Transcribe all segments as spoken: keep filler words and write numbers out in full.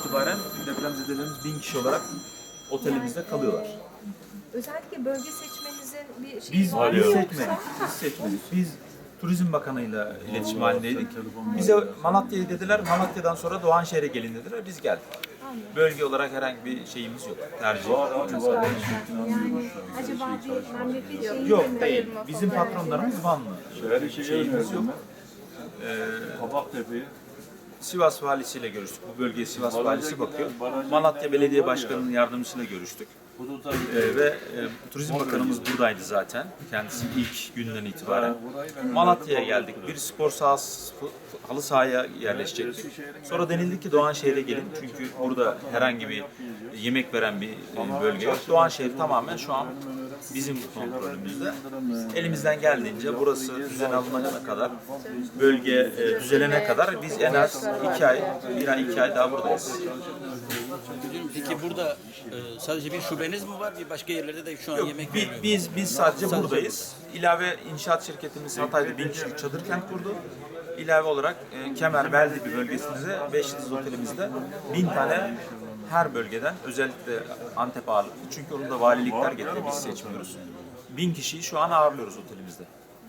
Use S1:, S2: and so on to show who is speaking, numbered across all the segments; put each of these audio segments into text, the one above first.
S1: itibaren depremzedelerimiz bin kişi olarak otelimizde kalıyorlar.
S2: Özellikle bölge seçmenizin bir şeyi
S1: Biz
S2: var mı
S1: biz
S2: yoksa?
S1: seçmedik. Biz seçmedik. Biz Turizm Bakanı'yla iletişim halindeydik. Bize Malatya'yı dediler. Malatya'dan sonra Doğanşehir'e gelin dediler. Biz geldik. Bölge olarak herhangi bir şeyimiz yok. Tercih.
S2: Yani acaba bir memleket şeyi
S1: Yok
S2: mi?
S1: değil. Bizim patronlarımız Vanlı. Şeyimiz yok.
S3: Kabaktepe'yi.
S1: Sivas valisiyle görüştük. Bu bölgeye Sivas valisi bakıyor. Malatya Belediye Başkanı'nın yardımcısıyla görüştük. Ee, ve e, Turizm Bakanımız buradaydı zaten. Kendisi ilk günden itibaren. Malatya'ya geldik. Bir spor sahası, halı sahaya yerleşecektik. Sonra denildi ki Doğanşehir'e gelin. Çünkü burada herhangi bir yemek veren bir e, bölge yok. Doğanşehir tamamen şu an bizim kontrolümüzde. Elimizden geldiğince burası düzen alınana kadar, bölge e, düzelene kadar biz en az iki ay, bir ay iki ay daha buradayız.
S4: Peki burada e, sadece bir şubeniz mi var? Bir başka yerlerde de şu an
S1: Yok,
S4: yemek
S1: bi-
S4: vermiyor mu?
S1: biz biz sadece buradayız. İlave inşaat şirketimiz Hatay'da bin kişilik çadır kent kurdu. İlave olarak e, Kemer Beldibi bölgesinde beş yıldız otelimizde bin tane her bölgeden, özellikle Antep ağırlıklı çünkü onu da valilikler getiriyor, biz seçmiyoruz. Bin kişiyi şu an ağırlıyoruz otelimizde.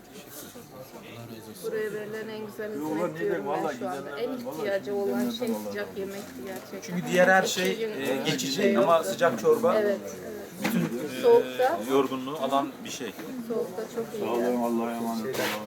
S5: Buraya verilen en güzel hizmet diyorum ben şu anda. En ihtiyacı olan şey sıcak yemekti gerçekten.
S1: Çünkü diğer her şey e, geçici ama sıcak çorba
S5: Evet,
S1: bütün e,
S5: Soğukta.
S1: yorgunluğu alan bir şey.
S5: soğukta çok iyi.
S3: Allah'a emanet olun.